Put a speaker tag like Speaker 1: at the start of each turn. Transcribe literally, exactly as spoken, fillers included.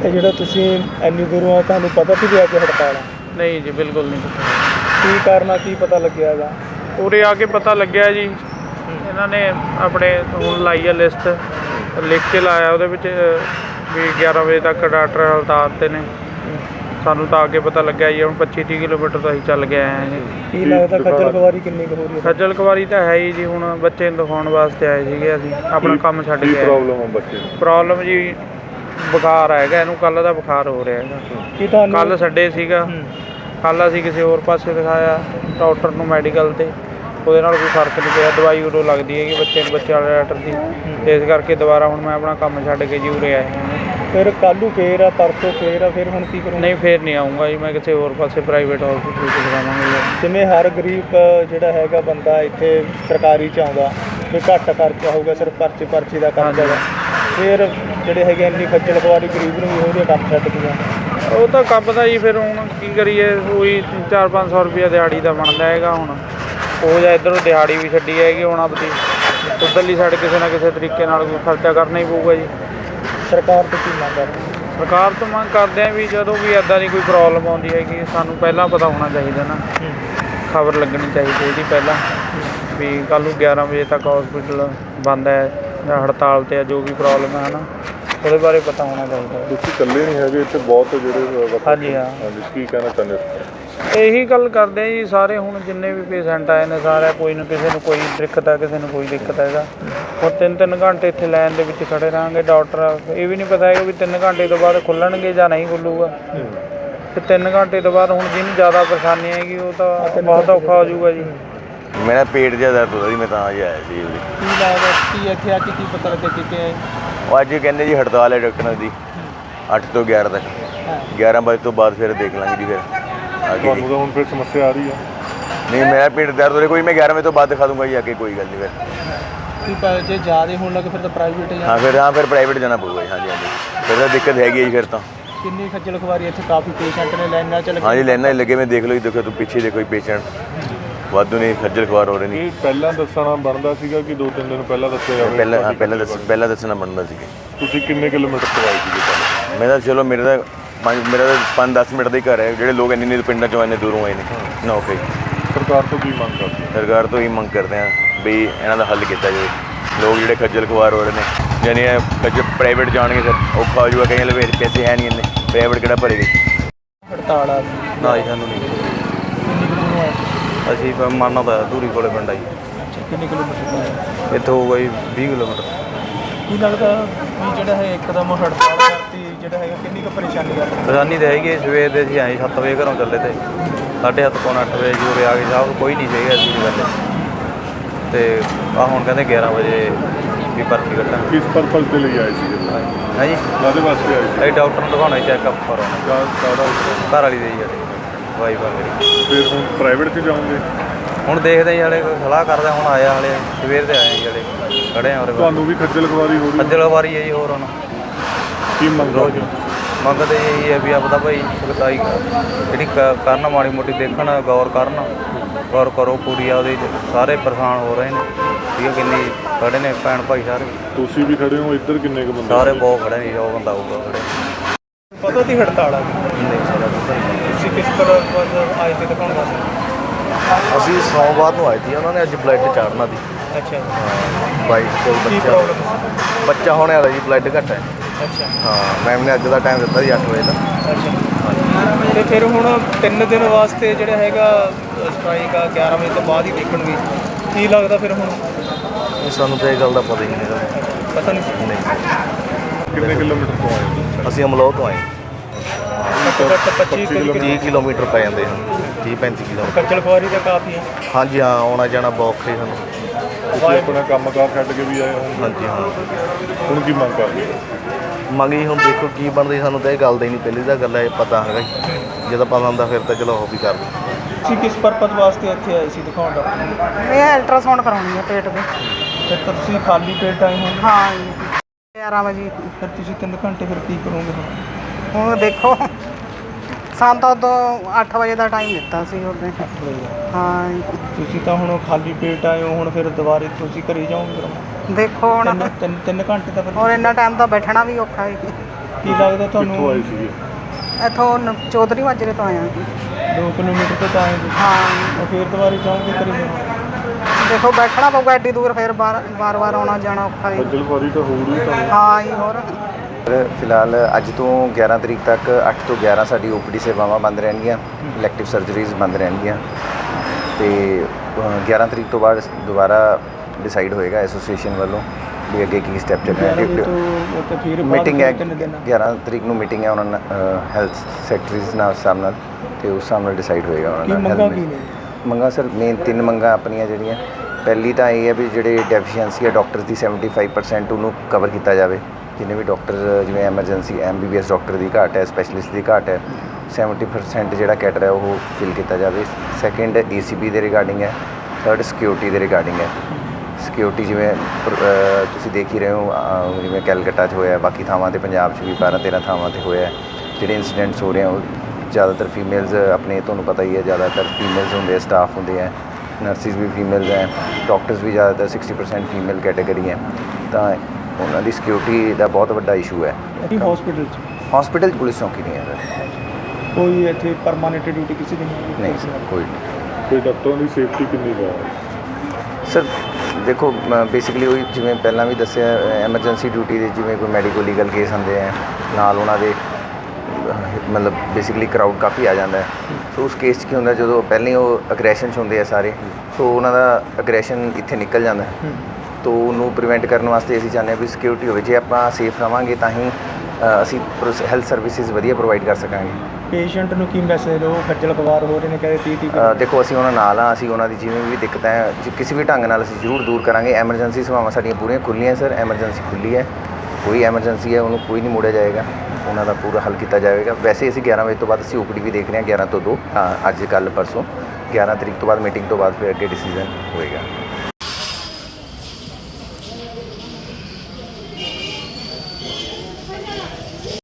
Speaker 1: ਤੇ ਜਿਹੜਾ ਤੁਸੀਂ ਇੰਨੀ ਦੂਰੋਂ ਤੁਹਾਨੂੰ ਪਤਾ ਸੀ ਵੀ ਅੱਜ ਹੜਤਾਲ ਆ?
Speaker 2: ਨਹੀਂ ਜੀ, ਬਿਲਕੁਲ ਨਹੀਂ ਪਤਾ।
Speaker 1: ਕੀ ਕਾਰਨ ਆ, ਕੀ ਪਤਾ ਲੱਗਿਆ ਹੈਗਾ?
Speaker 2: ਉਰੇ ਆ ਕੇ ਪਤਾ ਲੱਗਿਆ ਜੀ, ਇਹਨਾਂ ਨੇ ਆਪਣੇ ਹੁਣ ਲਾਈ ਆ ਲਿਸਟ, ਲਿਖ ਕੇ ਲਾਇਆ ਉਹਦੇ ਵਿੱਚ ਵੀ ਗਿਆਰਾਂ ਵਜੇ ਤੱਕ ਡਾਕਟਰ ਹੜਤਾਲ 'ਤੇ ਨੇ। ਸਾਨੂੰ ਤਾਂ ਆ ਕੇ ਪਤਾ ਲੱਗਿਆ ਜੀ, ਹੁਣ ਪੱਚੀ ਤੀਹ ਕਿਲੋਮੀਟਰ ਤੋਂ ਅਸੀਂ ਚੱਲ ਕੇ ਆਏ ਹਾਂ ਜੀ।
Speaker 1: ਕੀ ਲੱਗਦਾ ਖੱਜਲ ਖਵਾਰੀ ਕਿੰਨੀ ਕੁ ਹੋ ਰਹੀ ਹੈ?
Speaker 2: ਖੱਜਲ ਖਵਾਰੀ ਤਾਂ ਹੈ ਹੀ ਜੀ। ਹੁਣ ਬੱਚੇ ਨੂੰ ਦਿਖਾਉਣ ਵਾਸਤੇ ਆਏ ਸੀਗੇ ਅਸੀਂ, ਆਪਣਾ ਕੰਮ ਛੱਡ ਕੇ ਆਏ।
Speaker 3: ਪ੍ਰੋਬਲਮ ਆ ਬੱਚੇ ਨੂੰ?
Speaker 2: ਪ੍ਰੋਬਲਮ ਜੀ ਬੁਖਾਰ ਹੈਗਾ ਇਹਨੂੰ, ਕੱਲ੍ਹ ਦਾ ਬੁਖਾਰ ਹੋ ਰਿਹਾ ਹੈਗਾ।
Speaker 1: ਕੀ ਤੁਹਾਨੂੰ
Speaker 2: ਕੱਲ੍ਹ ਸੰਡੇ ਸੀਗਾ, ਕੱਲ੍ਹ ਅਸੀਂ ਕਿਸੇ ਹੋਰ ਪਾਸੇ ਦਿਖਾਇਆ ਡਾਕਟਰ ਨੂੰ ਮੈਡੀਕਲ 'ਤੇ, ਉਹਦੇ ਨਾਲ ਕੋਈ ਫਰਕ ਨਹੀਂ ਪਿਆ। ਦਵਾਈ ਉਦੋਂ ਲੱਗਦੀ ਹੈਗੀ ਬੱਚੇ ਨੂੰ, ਬੱਚੇ ਵਾਲੇ ਡਾਕਟਰ ਦੀ। ਇਸ ਕਰਕੇ ਦੁਬਾਰਾ ਹੁਣ ਮੈਂ ਆਪਣਾ ਕੰਮ ਛੱਡ ਕੇ ਜੀ ਉਰੇ ਆਏ ਹਾਂ।
Speaker 1: ਫਿਰ ਕੱਲ੍ਹ ਨੂੰ ਫੇਰ ਆ, ਪਰਸੋਂ ਫੇਰ ਆ, ਫਿਰ ਹੁਣ ਕੀ ਕਰੂੰ?
Speaker 2: ਨਹੀਂ, ਫੇਰ ਨਹੀਂ ਆਊਂਗਾ ਜੀ, ਮੈਂ ਕਿਸੇ ਹੋਰ ਪਾਸੇ ਪ੍ਰਾਈਵੇਟ ਹੌਸਪੀਟਲ 'ਚ ਦਿਖਾਵਾਂਗਾ ਜੀ।
Speaker 1: ਜਿਵੇਂ ਹਰ ਗਰੀਬ ਜਿਹੜਾ ਹੈਗਾ ਬੰਦਾ ਇੱਥੇ ਸਰਕਾਰੀ 'ਚ ਆਉਂਦਾ ਵੀ ਘੱਟ ਖਰਚਾ ਹੋਊਗਾ, ਸਿਰਫ ਪਰਚੀ ਪਰਚੀ ਦਾ ਖਰਚਾ ਵਾ, ਫਿਰ ਜਿਹੜੇ ਹੈਗੇ ਇੰਨੀ ਖੱਜਲ ਖਵਾਰੀ ਗਰੀਬ ਨੂੰ ਵੀ ਹੋ ਰਹੀ ਹੈ, ਕੰਮ ਛੱਡ ਕੇ ਜਾਣਾ।
Speaker 2: ਉਹ ਤਾਂ ਕੰਮ ਦਾ ਜੀ, ਫਿਰ ਹੁਣ ਕੀ ਕਰੀਏ, ਉਹੀ ਚਾਰ ਪੰਜ ਸੌ ਰੁਪਇਆ ਦਿਹਾੜੀ ਦਾ ਬਣਦਾ ਹੈਗਾ। ਹੁਣ ਉਹ ਜਾਂ ਇੱਧਰੋਂ ਦਿਹਾੜੀ ਵੀ ਛੱਡੀ ਹੈਗੀ, ਹੁਣ ਆਪਣੀ ਉੱਧਰਲੀ ਸਾਈਡ ਕਿਸੇ ਨਾ ਕਿਸੇ ਤਰੀਕੇ ਨਾਲ ਕੋਈ ਖਰਚਾ ਕਰਨਾ ਹੀ ਪਊਗਾ ਜੀ।
Speaker 1: ਸਰਕਾਰ ਤੋਂ ਕੀ ਮੰਗ ਕਰਦੇ?
Speaker 2: ਸਰਕਾਰ ਤੋਂ ਮੰਗ ਕਰਦੇ ਹਾਂ ਵੀ ਜਦੋਂ ਵੀ ਇੱਦਾਂ ਦੀ ਕੋਈ ਪ੍ਰੋਬਲਮ ਆਉਂਦੀ ਹੈਗੀ, ਸਾਨੂੰ ਪਹਿਲਾਂ ਪਤਾ ਹੋਣਾ ਚਾਹੀਦਾ ਨਾ, ਖਬਰ ਲੱਗਣੀ ਚਾਹੀਦੀ ਇਹਦੀ ਪਹਿਲਾਂ, ਵੀ ਕੱਲ੍ਹ ਨੂੰ ਗਿਆਰਾਂ ਵਜੇ ਤੱਕ ਹੌਸਪੀਟਲ ਬੰਦ ਹੈ ਜਾਂ ਹੜਤਾਲ 'ਤੇ ਹੈ, ਜੋ ਵੀ ਪ੍ਰੋਬਲਮ ਹੈ ਨਾ, ਉਹਦੇ ਬਾਰੇ ਪਤਾ ਹੋਣਾ ਚਾਹੀਦਾ।
Speaker 3: ਤੁਸੀਂ ਇਕੱਲੇ ਨਹੀਂ ਹੈਗੇ ਇੱਥੇ, ਬਹੁਤ ਜਿਹੜੇ।
Speaker 2: ਹਾਂਜੀ ਹਾਂ।
Speaker 3: ਹਾਂਜੀ, ਕੀ ਕਹਿਣਾ ਚਾਹੁੰਦੇ ਹੋ?
Speaker 2: ਇਹੀ ਗੱਲ ਕਰਦੇ ਆ ਜੀ, ਸਾਰੇ ਹੁਣ ਜਿੰਨੇ ਵੀ ਪੇਸ਼ੈਂਟ ਆਏ ਨੇ ਸਾਰੇ, ਕੋਈ ਨਾ ਕਿਸੇ ਨੂੰ ਕੋਈ ਦਿੱਕਤ ਹੈ, ਕਿਸੇ ਨੂੰ ਕੋਈ ਦਿੱਕਤ ਹੈਗਾ। ਹੁਣ ਤਿੰਨ ਤਿੰਨ ਘੰਟੇ ਇੱਥੇ ਲਾਈਨ ਦੇ ਵਿੱਚ ਖੜ੍ਹੇ ਰਹਾਂਗੇ। ਡਾਕਟਰ ਇਹ ਵੀ ਨਹੀਂ ਪਤਾ ਹੈਗਾ ਵੀ ਤਿੰਨ ਘੰਟੇ ਤੋਂ ਬਾਅਦ ਖੁੱਲ੍ਹਣਗੇ ਜਾਂ ਨਹੀਂ ਖੁੱਲ੍ਹੂਗਾ। ਅਤੇ ਤਿੰਨ ਘੰਟੇ ਤੋਂ ਬਾਅਦ ਹੁਣ ਜਿਹਨੂੰ ਜ਼ਿਆਦਾ ਪਰੇਸ਼ਾਨੀ ਹੈਗੀ ਉਹ ਤਾਂ ਬਹੁਤ ਔਖਾ ਹੋ ਜਾਊਗਾ ਜੀ।
Speaker 4: ਮੇਰਾ ਪੇਟ ਜਿਹਾ ਦਰਦ ਹੁੰਦਾ ਜੀ, ਮੈਂ ਤਾਂ ਅੱਜ ਆਇਆ ਸੀ।
Speaker 1: ਕੀ ਲੱਗਦਾ ਕੀ ਇੱਥੇ ਆ ਕੇ ਕੀ ਪਤਾ ਲੱਗਿਆ ਕਿ ਆਏ?
Speaker 4: ਉਹ ਅੱਜ ਕਹਿੰਦੇ ਜੀ ਹੜਤਾਲ ਹੈ ਡਾਕਟਰਾਂ ਦੀ ਅੱਠ ਤੋਂ ਗਿਆਰਾਂ ਤੱਕ। ਗਿਆਰਾਂ ਵਜੇ ਤੋਂ ਬਾਅਦ ਫਿਰ ਦੇਖ ਲਾਂਗੇ ਜੀ। ਫਿਰ
Speaker 3: ਤੁਹਾਨੂੰ ਤਾਂ ਹੁਣ ਫਿਰ ਸਮੱਸਿਆ ਆ ਰਹੀ ਆ?
Speaker 4: ਨਹੀਂ, ਮੇਰਾ ਪੇਟ ਦਰਦ ਹੋ ਰਿਹਾ, ਕੋਈ ਮੈਂ ਗਿਆਰਾਂ ਵਜੇ ਤੋਂ ਬਾਅਦ ਦਿਖਾ ਦੂੰਗਾ ਜੀ ਆ ਕੇ, ਕੋਈ ਗੱਲ ਨਹੀਂ। ਫਿਰ
Speaker 1: ਕੀ ਜੇ ਜ਼ਿਆਦਾ ਹੋਣ ਲੱਗੇ ਫਿਰ ਤਾਂ ਪ੍ਰਾਈਵੇਟ ਜਾਂ?
Speaker 4: ਹਾਂ, ਫਿਰ ਹਾਂ ਫਿਰ ਪ੍ਰਾਈਵੇਟ ਜਾਣਾ ਪਊਗਾ ਜੀ। ਹਾਂਜੀ ਹਾਂਜੀ, ਫਿਰ ਤਾਂ ਦਿੱਕਤ ਹੈਗੀ ਹੈ ਜੀ। ਫਿਰ ਤਾਂ
Speaker 1: ਕਿੰਨੀ ਖੱਜਲ ਖਵਾਰੀ ਇੱਥੇ, ਕਾਫੀ ਪੇਸ਼ੈਂਟ ਨੇ ਲਾਈਨਾਂ 'ਚ ਲੱਗੇ?
Speaker 4: ਹਾਂਜੀ, ਲਾਈਨਾਂ ਹੀ ਲੱਗੇ, ਮੈਂ ਦੇਖ ਲਓ ਜੀ, ਦੇਖੋ ਤੂੰ ਪਿੱਛੇ ਦੇ ਕੋਈ ਪੇਸ਼ੈਂਟ ਵਾਧੂ ਨਹੀਂ ਖੱਜਲ ਖਵਾਰ ਹੋ ਰਹੇ ਨੇ।
Speaker 3: ਇਹ ਪਹਿਲਾਂ ਦੱਸਣਾ ਬਣਦਾ ਸੀਗਾ ਕਿ ਦੋ ਤਿੰਨ ਦਿਨ ਪਹਿਲਾਂ ਦੱਸਿਆ ਜਾਵੇ?
Speaker 4: ਪਹਿਲਾਂ ਹਾਂ, ਪਹਿਲਾਂ ਦੱਸ ਪਹਿਲਾਂ ਦੱਸਣਾ ਬਣਦਾ ਸੀਗਾ।
Speaker 3: ਤੁਸੀਂ ਕਿੰਨੇ ਕਿਲੋਮੀਟਰ ਤੋਂ ਆਏ ਸੀਗੇ ਪਹਿਲਾਂ?
Speaker 4: ਮੈਂ ਤਾਂ ਚਲੋ ਮੇਰੇ ਤਾਂ ਪੰਜ ਮੇਰਾ ਤਾਂ ਪੰਜ ਦਸ ਮਿੰਟ ਦਾ ਹੀ ਘਰ ਹੈ। ਜਿਹੜੇ ਲੋਕ ਇੰਨੇ ਇੰਨੇ ਪਿੰਡਾਂ 'ਚੋਂ ਇੰਨੇ ਦੂਰੋਂ ਆਏ ਨੇ ਨਾ, ਓਕੇ।
Speaker 3: ਸਰਕਾਰ ਤੋਂ ਕੀ ਮੰਗ ਕਰਦੇ?
Speaker 4: ਸਰਕਾਰ ਤੋਂ ਹੀ ਮੰਗ ਕਰਦੇ ਹਾਂ ਵੀ ਇਹਨਾਂ ਦਾ ਹੱਲ ਕੀਤਾ ਜਾਵੇ। ਲੋਕ ਜਿਹੜੇ ਖੱਜਲ ਖੁਆਰ ਹੋ ਰਹੇ ਨੇ, ਯਾਨੀ ਖੱਜਲ ਪ੍ਰਾਈਵੇਟ ਜਾਣਗੇ ਫਿਰ ਔਖਾ ਹੋ ਜਾਊਗਾ। ਕਈਆਂ ਲਵੇ ਪੈਸੇ ਹੈ ਨਹੀਂ ਇੰਨੇ, ਪ੍ਰਾਈਵੇਟ ਕਿਹੜਾ ਭਰੇਗੀ।
Speaker 1: ਹੜਤਾਲ ਆ
Speaker 2: ਨਾ ਜੀ, ਸਾਨੂੰ ਨਹੀਂ।
Speaker 1: ਕਿੰਨੀ ਕੁ ਦੂਰੋਂ ਆਏ?
Speaker 2: ਅਸੀਂ ਮਾਨਾ ਦਾ ਧੂਰੀ ਕੋਲੇ ਪਿੰਡ ਆ ਜੀ।
Speaker 1: ਕਿੰਨੇ ਕਿਲੋਮੀਟਰ ਤੋਂ ਆਏ?
Speaker 2: ਇੱਥੋਂ ਹੋਊਗਾ ਜੀ ਵੀਹ ਕਿਲੋਮੀਟਰ।
Speaker 1: ਕੀ ਲੱਗਦਾ ਵੀ ਜਿਹੜਾ ਹੈ ਇੱਕਦਮ ਹੜਤਾਲ ਕਰਤੀ, ਜਿਹੜਾ ਹੈਗਾ ਕਿੰਨੀ ਕੁ ਪਰੇਸ਼ਾਨੀ ਆ?
Speaker 2: ਪਰੇਸ਼ਾਨੀ ਤਾਂ ਹੈਗੀ। ਸਵੇਰ ਦੇ ਅਸੀਂ ਆਏ ਸੱਤ ਵਜੇ ਘਰੋਂ ਚੱਲੇ ਤੇ ਸਾਢੇ ਸੱਤ ਪੌਣੇ ਅੱਠ ਵਜੇ ਜੀ ਉਰੇ ਆ ਗਏ। ਸਾਹਿਬ ਕੋਈ ਨਹੀਂ ਸੀਗਾ ਅਸੀਂ ਗੱਲ, ਅਤੇ ਆਹ ਹੁਣ ਕਹਿੰਦੇ ਗਿਆਰਾਂ ਵਜੇ ਵੀ ਪਰਚੀ ਕੱਟਾਂਗੇ।
Speaker 3: ਕਿਸ ਪਰਪਸ ਦੇ ਲਈ ਆਏ ਸੀਗੇ?
Speaker 2: ਹੈ ਜੀ,
Speaker 3: ਕਾਹਦੇ ਵਾਸਤੇ ਆਏ ਸੀ?
Speaker 2: ਅਸੀਂ ਡਾਕਟਰ ਨੂੰ ਦਿਖਾਉਣਾ ਚੈੱਕਅਪ ਕਰਾਉਣਾ।
Speaker 3: ਕਾਹਦਾ?
Speaker 2: ਘਰ ਵਾਲੀ ਦੇ ਜੀ ਸਾਡੇ ਵਾਈਫ ਆ ਮੇਰੀ।
Speaker 3: ਫਿਰ ਹੁਣ ਪ੍ਰਾਈਵੇਟ 'ਚ ਜਾਓਗੇ?
Speaker 2: ਹੁਣ ਦੇਖਦੇ ਜੀ, ਹਾਲੇ ਸਲਾਹ ਕਰਦੇ। ਹੁਣ ਆਇਆ ਹਾਲੇ ਸਵੇਰ ਦੇ ਆਏ ਜੀ, ਹਾਲੇ ਖੜ੍ਹੇ ਹਾਂ ਉਰੇ।
Speaker 3: ਤੁਹਾਨੂੰ ਵੀ ਖੱਜਲ ਖਵਾਰੀ ਹੋ ਰਹੀ?
Speaker 2: ਖੱਜਲ ਖਵਾਰੀ ਹੈ ਜੀ। ਹੋਰ ਹੁਣ
Speaker 3: ਕੀ ਮੰਗ
Speaker 2: ਰੋਜ਼ ਮੰਗਦੇ ਇਹੀ ਹੈ ਵੀ ਆਪਦਾ ਭਾਈ ਸਖਤਾਈ ਜਿਹੜੀ ਕ ਕਰਨ ਮਾੜੀ ਮੋਟੀ ਦੇਖਣ, ਗੌਰ ਕਰਨ, ਗੌਰ ਕਰੋ ਪੂਰੀ ਆ। ਉਹਦੇ 'ਚ ਸਾਰੇ ਪਰੇਸ਼ਾਨ ਹੋ ਰਹੇ ਨੇ, ਠੀਕ ਹੈ। ਕਿੰਨੀ ਖੜ੍ਹੇ ਨੇ ਭੈਣ ਭਾਈ ਸਾਰੇ।
Speaker 3: ਤੁਸੀਂ ਵੀ ਖੜੇ ਹੋ ਇੱਧਰ? ਕਿੰਨੇ ਕੁ ਬੰਦੇ?
Speaker 2: ਸਾਰੇ ਬਹੁਤ ਖੜ੍ਹੇ ਨੇ, ਉਹ ਬੰਦਾ ਹੋਊਗਾ ਖੜ੍ਹੇ।
Speaker 1: ਪਤਾ ਸੀ ਹੜਤਾਲ ਆ?
Speaker 2: ਨਹੀਂ ਸਾਰਾ
Speaker 1: ਤੁਸੀਂ ਕਿਸ ਤਰ੍ਹਾਂ ਆਏ ਤੇ ਦਿਖਾਉਣ ਵਾਸਤੇ?
Speaker 4: ਅਸੀਂ ਸੋਮਵਾਰ ਨੂੰ ਆਏ ਸੀ, ਉਹਨਾਂ ਨੇ ਅੱਜ ਬਲੱਡ ਚਾੜਨਾ ਸੀ।
Speaker 1: ਅੱਛਾ,
Speaker 4: ਬਾਈਕ ਕੋਲ
Speaker 1: ਕੀ
Speaker 4: ਬੱਚਾ
Speaker 1: ਪ੍ਰੋਬਲਮ ਸੀ?
Speaker 4: ਬੱਚਾ ਹੋਣੇ ਵਾਲਾ ਜੀ, ਬਲੱਡ ਘੱਟ ਹੈ।
Speaker 1: ਅੱਛਾ
Speaker 4: ਹਾਂ, ਮੈਮ ਨੇ ਅੱਜ ਦਾ ਟਾਈਮ ਦਿੱਤਾ ਜੀ ਅੱਠ ਵਜੇ ਦਾ।
Speaker 1: ਅੱਛਾ, ਅਤੇ ਫਿਰ ਹੁਣ ਤਿੰਨ ਦਿਨ ਵਾਸਤੇ ਜਿਹੜਾ ਹੈਗਾ ਸਟ੍ਰਾਈਕ ਆ, ਗਿਆਰਾਂ ਵਜੇ ਤੋਂ ਬਾਅਦ ਹੀ ਦੇਖਣਗੇ। ਕੀ ਲੱਗਦਾ ਫਿਰ ਹੁਣ?
Speaker 4: ਸਾਨੂੰ ਤਾਂ ਇਹ ਗੱਲ ਦਾ ਪਤਾ ਹੀ ਨਹੀਂ ਹੈਗਾ।
Speaker 1: ਪਤਾ ਨਹੀਂ।
Speaker 4: ਨਹੀਂ।
Speaker 3: ਕਿੰਨੇ ਕਿਲੋਮੀਟਰ ਤੋਂ ਆਏ?
Speaker 4: ਅਸੀਂ ਅਮਲੋਹ ਤੋਂ ਆਏ।
Speaker 1: ਘੱਟੋ ਘੱਟ ਪੱਚੀ
Speaker 4: ਤੀਹ ਕਿਲੋਮੀਟਰ ਪੈ ਜਾਂਦੇ ਹਨ, ਤੀਹ ਪੈਂਤੀ ਕਿਲੋਮੀਟਰ।
Speaker 1: ਖੱਜਲ ਖੁਆਰੀ ਤਾਂ ਕਾਫੀ ਹੈ।
Speaker 4: ਹਾਂਜੀ ਹਾਂ, ਆਉਣਾ ਜਾਣਾ ਬਹੁਤ ਔਖਾ ਸਾਨੂੰ।
Speaker 3: ਤੁਸੀਂ ਆਪਣਾ ਕੰਮ ਕਾਰ ਛੱਡ ਕੇ ਵੀ ਆਏ ਹੋ?
Speaker 4: ਹਾਂਜੀ ਹਾਂ।
Speaker 3: ਹੁਣ ਕੀ ਮੰਗ ਕਰਦੇ?
Speaker 4: ਮੰਗੀ ਹੁਣ ਦੇਖੋ ਕੀ ਬਣਦੀ, ਸਾਨੂੰ ਤਾਂ ਇਹ ਗੱਲ ਦਾ ਹੀ ਨਹੀਂ। ਪਹਿਲੀ ਤਾਂ ਗੱਲ ਇਹ ਪਤਾ ਹੈਗਾ ਜੀ, ਜਦੋਂ ਪਤਾ ਹੁੰਦਾ ਫਿਰ ਤਾਂ ਚਲੋ ਉਹ ਵੀ ਕਰਦੇ।
Speaker 1: ਤੁਸੀਂ ਕਿਸ ਪਰਪਸ ਵਾਸਤੇ ਇੱਥੇ ਆਏ ਸੀ ਦਿਖਾਉਣ ਡਾਕਟਰ?
Speaker 5: ਇਹ ਅਲਟਰਾਸਾਊਂਡ ਕਰਾਉਣੀ ਹੈ ਪੇਟ ਦੇ।
Speaker 1: ਫਿਰ ਤਾਂ ਤੁਸੀਂ ਖਾਲੀ ਪੇਟ ਆਏ ਹੋ?
Speaker 5: ਹਾਂ ਜੀ, ਗਿਆਰਾਂ ਵਜੇ।
Speaker 1: ਫਿਰ ਤੁਸੀਂ ਤਿੰਨ ਘੰਟੇ ਫਿਰ ਕੀ ਕਰੋਗੇ ਹੁਣ?
Speaker 5: ਹੁਣ ਦੇਖੋ, ਸਾਨੂੰ ਤਾਂ ਉਦੋਂ ਅੱਠ ਵਜੇ ਦਾ ਟਾਈਮ ਦਿੱਤਾ ਸੀ ਉਹਨੇ। ਹਾਂ ਜੀ।
Speaker 1: ਤੁਸੀਂ ਤਾਂ ਹੁਣ ਖਾਲੀ ਪੇਟ ਆਏ ਹੋ, ਹੁਣ ਫਿਰ ਦੁਬਾਰੇ ਤੁਸੀਂ ਘਰੇ ਜਾਓਗੇ ਫਿਰ?
Speaker 5: ਦੇਖੋ ਹੁਣ
Speaker 1: ਤਿੰਨ ਤਿੰਨ ਤਿੰਨ ਘੰਟੇ ਤਾਂ ਫਿਰ
Speaker 5: ਔਰ ਇੰਨਾ ਟਾਈਮ ਤਾਂ ਬੈਠਣਾ ਵੀ ਔਖਾ ਹੈ।
Speaker 1: ਕੀ ਲੱਗਦਾ
Speaker 3: ਕਿੱਥੋਂ
Speaker 1: ਤੁਹਾਨੂੰ
Speaker 3: ਆਏ ਸੀਗੇ?
Speaker 5: ਇੱਥੋਂ ਨ- ਚੌਧਰੀ ਮਾਜਰੇ ਤੋਂ ਆਇਆ
Speaker 1: ਦੋ ਕਿਲੋਮੀਟਰ ਤੋਂ ਤਾਂ ਆਏ ਤੁਸੀਂ?
Speaker 5: ਹਾਂ
Speaker 1: ਉਹ ਫੇਰ ਦੁਬਾਰੀ ਚਾਹੋਗੇ ਕਰੀਬ
Speaker 5: ਦੇਖੋ ਬੈਠਣਾ ਪਊਗਾ ਐਡੀ ਦੂਰ ਫਿਰ ਬਾਰ ਬਾਰ ਬਾਰ ਆਉਣਾ ਜਾਣਾ ਔਖਾ ਹੈ
Speaker 3: ਖੱਜਲ ਖੁਆਰੀ ਤਾਂ ਹੋ ਰਹੀ ਤਾਂ
Speaker 5: ਹਾਂ ਜੀ ਹੋਰ
Speaker 6: ਸਰ, ਫਿਲਹਾਲ ਅੱਜ ਤੋਂ ਗਿਆਰਾਂ ਤਰੀਕ ਤੱਕ ਅੱਠ ਤੋਂ ਗਿਆਰਾਂ ਸਾਡੀ ਓਪੀਡੀ ਸੇਵਾਵਾਂ ਬੰਦ ਰਹਿਣਗੀਆਂ, ਇਲੈਕਟਿਵ ਸਰਜਰੀਜ਼ ਬੰਦ ਰਹਿਣਗੀਆਂ ਤੇ ਅ, ਗਿਆਰਾਂ ਤਰੀਕ ਤੋਂ ਬਾਅਦ ਦੁਬਾਰਾ ਡਿਸਾਈਡ ਹੋਏਗਾ ਐਸੋਸੀਏਸ਼ਨ ਵੱਲੋਂ ਵੀ ਅੱਗੇ ਕੀ ਸਟੈਪ ਚੱਲਣਾ
Speaker 1: ਗਿਆਰਾਂ ਵਜੇ
Speaker 6: ਹੈ।
Speaker 1: ਤੋਂ ਉੱਥੇ ਫਿਰ ਬਾਅਦ
Speaker 6: ਮੀਟਿੰਗ ਹੈ
Speaker 1: ਤਿੰਨ ਦਿਨ
Speaker 6: ਗਿਆਰਾਂ ਤਰੀਕ ਨੂੰ ਮੀਟਿੰਗ ਹੈ ਉਹਨਾਂ ਨਾਲ ਹੈਲਥ ਸੈਕਟਰੀਜ਼ ਨਾਲ ਹਿਸਾਬ ਨਾਲ ਤੇ ਉਸ ਹਿਸਾਬ ਨਾਲ ਡਿਸਾਈਡ ਹੋਏਗਾ ਉਹਨਾਂ
Speaker 1: ਕੀ
Speaker 6: ਨਾਲ
Speaker 1: ਮੰਗਾਂ
Speaker 6: health
Speaker 1: ਕੀ ਨੇ?
Speaker 6: ਮੰਗਾਂ ਸਰ ਮੇਨ ਤਿੰਨ ਮੰਗਾਂ ਆਪਣੀਆਂ ਜਿਹੜੀਆਂ ਪਹਿਲੀ ਤਾਂ ਇਹ ਹੈ ਵੀ ਜਿਹੜੇ ਡੈਫੀਸ਼ੀਐਂਸੀ ਹੈ ਡਾਕਟਰਸ ਦੀ ਸੈਵਨਟੀ ਫਾਈਵ ਪਰਸੈਂਟ ਉਹਨੂੰ ਕਵਰ ਕੀਤਾ ਜਾਵੇ। ਜਿੰਨੇ ਵੀ ਡਾਕਟਰ ਜਿਵੇਂ emergency M B B S doctor ਦੀ ਘਾਟ ਹੈ, ਸਪੈਸ਼ਲਿਸਟ ਦੀ ਘਾਟ ਹੈ, ਸੈਵਨਟੀ ਪਰਸੈਂਟ ਜਿਹੜਾ ਕੈਟਰ ਹੈ ਉਹ ਫਿਲ ਕੀਤਾ ਜਾਵੇ। ਸੈਕਿੰਡ ਏ ਸੀ ਬੀ ਦੇ ਰਿਗਾਰਡਿੰਗ ਹੈ। ਥਰਡ ਸਿਕਿਉਰਿਟੀ ਦੇ ਰਿਗਾਰਡਿੰਗ ਹੈ। ਸਿਕਿਉਰਿਟੀ ਜਿਵੇਂ ਪਰ- ਅ, ਤੁਸੀਂ ਦੇਖ ਹੀ ਰਹੇ ਹੋ ਅ, ਜਿਵੇਂ ਕੈਲਕੱਟਾ 'ਚ ਹੋਇਆ, ਬਾਕੀ ਥਾਵਾਂ 'ਤੇ ਪੰਜਾਬ 'ਚ ਵੀ ਬਾਰਾਂ ਤੇਰਾਂ ਥਾਵਾਂ 'ਤੇ ਹੋਇਆ। ਜਿਹੜੇ ਇੰਸੀਡੈਂਟਸ ਹੋ ਰਹੇ ਆ ਉਹ ਜ਼ਿਆਦਾਤਰ ਫੀਮੇਲਸ ਆਪਣੇ ਤੁਹਾਨੂੰ ਪਤਾ ਹੀ ਹੈ ਜ਼ਿਆਦਾਤਰ ਫੀਮੇਲਸ ਹੁੰਦੇ ਆ, ਸਟਾਫ ਹੁੰਦੇ ਆ, ਨਰਸਿਸ ਵੀ ਫੀਮੇਲਸ ਹੈ, ਡਾਕਟਰਸ ਵੀ ਜ਼ਿਆਦਾਤਰ ਸਿਕਸਟੀ ਪਰਸੈਂਟ ਫੀਮੇਲ ਕੈਟਾਗਰੀ ਹੈ ਤਾਂ ਉਹਨਾਂ ਦੀ ਸਿਕਿਉਰਿਟੀ ਦਾ ਬਹੁਤ ਵੱਡਾ ਇਸ਼ੂ ਹੈ।
Speaker 1: ਕੀ ਹਸਪੀਟਲ 'ਚ
Speaker 6: ਹਸਪੀਟਲ 'ਚ ਪੁਲਿਸ ਚੌਕੀ ਨਹੀਂ ਹੈ ਸਰ।
Speaker 1: ਕੋਈ ਇੱਥੇ ਪਰਮਾਨੈਂਟ ਡਿਊਟੀ ਕਿਸੇ ਦੀ ਨਹੀਂ?
Speaker 6: ਨਹੀਂ ਸਰ ਕੋਈ ਨਹੀਂ।
Speaker 3: ਤੇ ਡਾਕਟਰਾਂ ਦੀ ਸੇਫਟੀ ਕਿੰਨੀ ਕੁ ਹੈ?
Speaker 6: ਸਰ ਦੇਖੋ ਬੇਸਿਕਲੀ ਉਹੀ ਜਿਵੇਂ ਪਹਿਲਾਂ ਵੀ ਦੱਸਿਆ ਐਮਰਜੈਂਸੀ ਡਿਊਟੀ ਦੇ ਜਿਵੇਂ ਕੋਈ ਮੈਡੀਕਲ ਲੀਗਲ ਕੇਸ ਹੁੰਦੇ ਆ ਨਾਲ ਉਹਨਾਂ ਦੇ ਅਹ, ਮਤਲਬ ਬੇਸਿਕਲੀ ਕਰਾਊਡ ਕਾਫੀ ਆ ਜਾਂਦਾ ਹੈ। ਸੋ ਉਸ ਕੇਸ 'ਚ ਕੀ ਹੁੰਦਾ ਜਦੋਂ ਪਹਿਲਾਂ ਹੀ ਉਹ ਅਗਰੈਸ਼ਨ 'ਚ ਹੁੰਦੇ ਆ ਸਾਰੇ ਸੋ ਉਹਨਾਂ ਦਾ ਅਗਰੈਸ਼ਨ ਇੱਥੇ ਨਿਕਲ ਜਾਂਦਾ ਹੈ।
Speaker 1: ਹੂੰ।
Speaker 6: ਤੋ ਉਹਨੂੰ ਪ੍ਰੀਵੈਂਟ ਕਰਨ ਵਾਸਤੇ ਅਸੀਂ ਚਾਹੁੰਦੇ ਹਾਂ ਵੀ ਸਿਕਿਉਰਿਟੀ ਹੋਵੇ। ਜੇ ਆਪਾਂ ਸੇਫ ਰਵਾਂਗੇ ਤਾਂ ਹੀ ਅ, ਅਸੀਂ ਹੈਲਥ ਸਰਵਿਸਿਜ਼ ਵਧੀਆ ਪ੍ਰੋਵਾਈਡ ਕਰ ਸਕਾਂਗੇ।
Speaker 1: ਪੇਸ਼ੈਂਟ ਨੂੰ ਕੀ ਮੈਸੇਜ ਦਿਓ? ਖੱਜਲ ਖਵਾਰ ਹੋ ਰਹੇ ਨੇ, ਕਹਿੰਦੇ ਤੀਹ ਤੀਹ
Speaker 6: ਅ, ਦੇਖੋ ਅਸੀਂ ਉਹਨਾਂ ਨਾਲ ਆ, ਅਸੀਂ ਉਹਨਾਂ ਦੀ ਜਿਵੇਂ ਵੀ ਦਿੱਕਤਾਂ ਹੈ ਜੇ ਕਿਸੇ ਵੀ ਢੰਗ ਨਾਲ ਅਸੀਂ ਜ਼ਰੂਰ ਦੂਰ ਕਰਾਂਗੇ। ਐਮਰਜੈਂਸੀ ਸੇਵਾਵਾਂ ਸਾਡੀਆਂ ਪੂਰੀਆਂ ਖੁੱਲ੍ਹੀਆਂ ਸਰ, ਐਮਰਜੈਂਸੀ ਖੁੱਲ੍ਹੀ ਹੈ, ਕੋਈ ਐਮਰਜੈਂਸੀ ਹੈ ਉਹਨੂੰ ਕੋਈ ਨਹੀਂ ਮੋੜਿਆ ਜਾਏਗਾ, ਉਹਨਾਂ ਦਾ ਪੂਰਾ ਹੱਲ ਕੀਤਾ ਜਾਵੇਗਾ। ਵੈਸੇ ਅਸੀਂ ਗਿਆਰਾਂ ਵਜੇ ਤੋਂ ਬਾਅਦ ਅਸੀਂ ਓਪੀਡੀ ਵੀ ਦੇਖ ਰਹੇ ਹਾਂ ਗਿਆਰਾਂ ਤੋਂ ਦੋ, ਹਾਂ ਅੱਜ ਕੱਲ੍ਹ ਪਰਸੋਂ ਗਿਆਰਾਂ ਤਰੀਕ ਤੋਂ ਬਾਅਦ ਮੀਟਿੰਗ ਤੋਂ ਬਾਅਦ ਫਿਰ ਅੱਗੇ ਡਿਸੀਜਨ ਹੋਏਗਾ।